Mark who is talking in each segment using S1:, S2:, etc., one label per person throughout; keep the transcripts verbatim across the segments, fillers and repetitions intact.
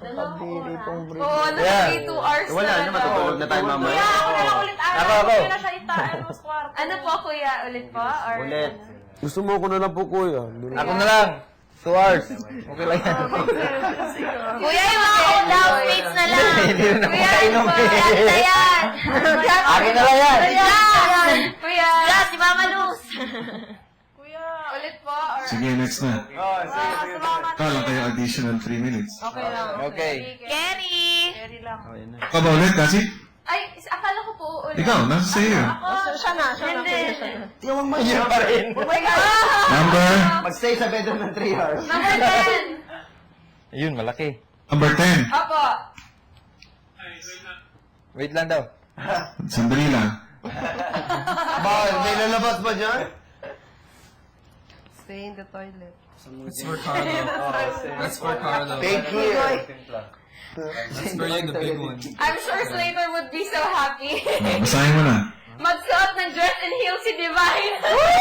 S1: Pabili pong break.
S2: Oo, nag-three two hours
S3: Wala na, matutulog na tayo mamaya.
S2: Kuya, ako na lang ulit araw.
S3: Ako, ako.
S2: Kuya na siya itaan mo sa kwarto. Ano po, kuya? Ulit po? Or
S3: Ulit.
S1: Gusto mo ko na lang po, kuya.
S3: Ako na lang. Two hours. Okay lang yan.
S2: Kuya, yung mga housemates na lang.
S3: Hindi rin ako
S2: Kuya,
S3: makainom
S2: yung
S3: eh.
S2: mga na yan.
S3: Akin na lang yan.
S2: Yan! Kuya! Yan, si Mama Luz! Kuya, ulit po? Or...
S4: Sige, next na.
S3: Oh, sige, sige.
S4: Kala kayo additional three minutes.
S2: Okay lang.
S3: Okay.
S2: Kenny!
S3: Okay na.
S4: Ikaw ba ulit, Kasi?
S2: Ay, akala ko po ulit.
S4: Ikaw, nasa sa'yo.
S2: Ako, siya na, siya na. Hindi.
S3: Yun pa rin.
S2: Oh my God!
S4: Number?
S3: Mag-stay sa bedroom ng three hours.
S2: Number ten!
S3: Yun, malaki.
S4: Number ten.
S2: Opo.
S3: Wait lang daw.
S4: Sandali lang.
S3: Bakit? May lalabas ba dyan?
S5: Stay in the toilet.
S6: That's for Carlo. That's for Carlo.
S3: Thank you.
S6: That's for you, the big one.
S2: I'm sure Slater would be so happy.
S4: Ah, basahin mo na.
S2: Magsuot ng dress and heels si Divine.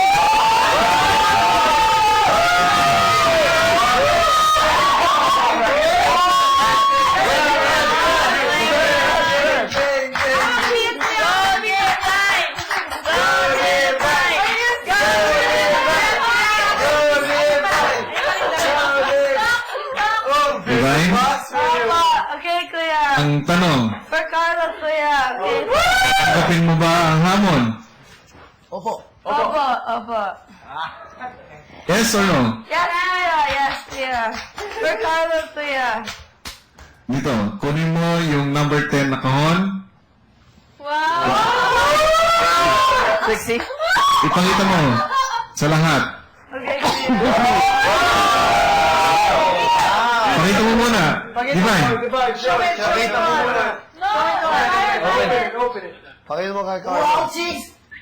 S4: Divine?
S2: Okay, kuya.
S4: Ang tanong,
S2: For Carlos, kuya. Okay.
S4: tanggapin mo ba ang hamon?
S3: Opo.
S2: Opo, opo.
S4: Yes or no?
S2: Yes, kuya. Yes, kuya. For Carlos, kuya.
S4: Dito, kunin mo yung number ten na kahon.
S2: Wow!
S3: Sexy.
S4: Ipakita mo sa lahat.
S2: Okay, kuya.
S4: Pakita mo muna. Divine.
S3: Nakita mo muna.
S2: No!
S3: Open it. Open it. Pakita mo kay Carlo. Wow, cheese!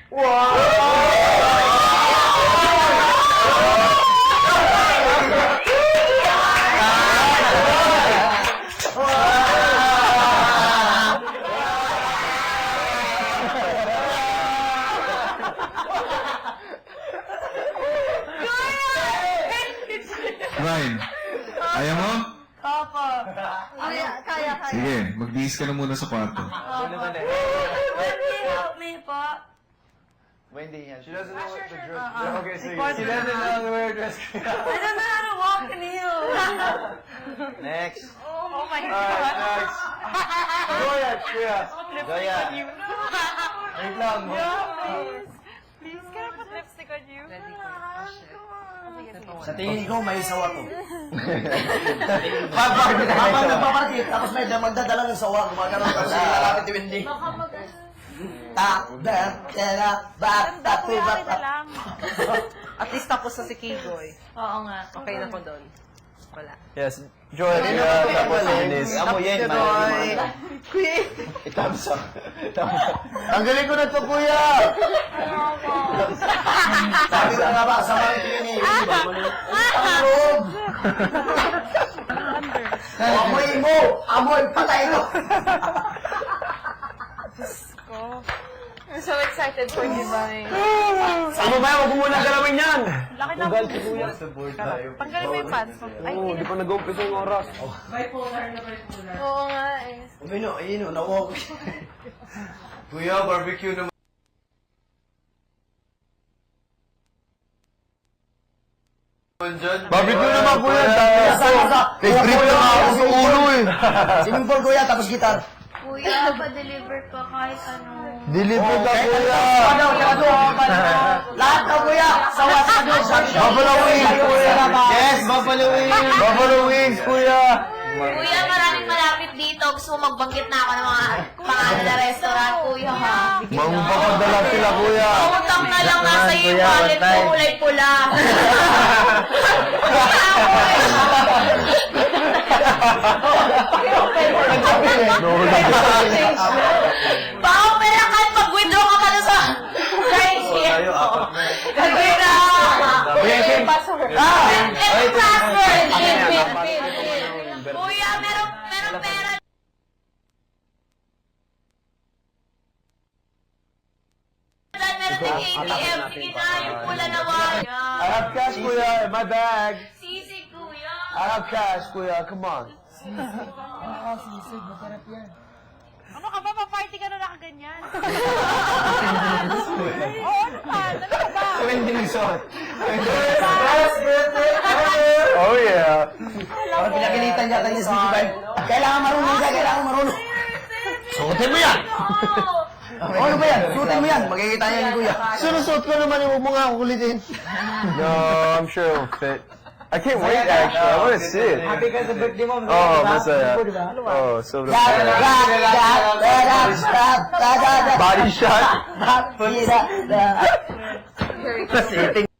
S4: Divine. Ayaw mo?
S2: Opo. Kaya, kaya, kaya.
S4: Sige, magbihis ka na muna sa kwarto.
S2: Wendy, help me po.
S3: Wendy, yan. She doesn't know what the dress
S2: Uh-uh.
S3: Okay, so
S2: She
S3: doesn't know where dress
S2: I don't know how to walk in heels.
S3: Next.
S2: Oh my
S3: Alright,
S2: God.
S3: next. Goya, Kuya. Goya. Wait lang.
S2: Please. Please, can I put lipstick on you?
S7: Sa tingin ko, may sawa to.
S3: Habang
S7: Habang nagpaparakit, tapos may magdadala ng sawa, gumagano'n tapos lalapit ni Wendy.
S2: Baka mag...
S7: Ta, da, tera, ba, ta, tu, ba, ta.
S5: At least tapos na si Kigoy.
S2: Oo nga.
S5: Okay na ko doon. Wala.
S3: Yes. Joy, Kuya, tapos Dennis. Amo yan,
S5: Kigoy. Kuya.
S3: Thumbs up. Tanggalin ko na to, Kuya!
S7: Sabi ko nga ba, sa mga tingin ni Wendy, ang loob. Amoy mo, amoy, patay ko.
S2: I'm so excited for Divine.
S1: Ano ba? Huwag mo muna galawin yan!
S2: Laki na
S1: Ugal si kuya.
S2: Tanggalin mo yung pants mo. Ay,
S1: Oo, di pa nag-umpisa yung oras.
S2: oo nga eh.
S7: Umino, ayun, nawag.
S3: Kuya, barbecue naman.
S1: Barbecue naman, kuya.
S3: Favorite na nga ako sa ulo eh.
S7: Swimming pool, kuya, tapos gitar.
S2: Kuya, pa-deliver ka kahit ano.
S3: Deliver ka, Kuya.
S7: Ano, ano, lahat na, kuya, sawa sa doon.
S3: Buffalo wings, Kuya. Yes, buffalo wings. Buffalo wings, Kuya.
S2: Kuya, maraming malapit dito. Gusto mo magbanggit na ako ng mga pangalan na restaurant, kuya, ha?
S3: Mangpapadala sila, Kuya.
S2: Utang na lang nasa iyo yung wallet ko, kulay pula. Baka pera kahit mag-withdraw ka pa sa right here. Gagawin na. Password. Ito password. Kuya, meron, meron pera. Meron din A T M. Sige na, yung pula na wire.
S1: I have cash, kuya. In my bag.
S2: Sisi, kuya.
S1: I have cash, kuya. Come on.
S2: Ano ka ba? Pa-party ka na nakaganyan. Oo naman. Ano ka ba?
S3: Twenty nagsuot.
S7: Best birthday ever!
S1: Oh, yeah.
S7: Parang pinagalitan yata niya si Vibe. Kailangan marunong ka, kailangan marunong. Suotin mo yan! Oh, ano ba yan? Suotin mo yan. Makikita niya ni Kuya.
S3: Sunusot ko naman, huwag mo nga kukulitin.
S1: No, I'm sure it'll fit. I can't wait, actually. I want to see it.
S7: Happy ka sa birthday mo.
S1: Oh, masaya. Oh, so the
S7: Body
S1: body shot.
S7: shot.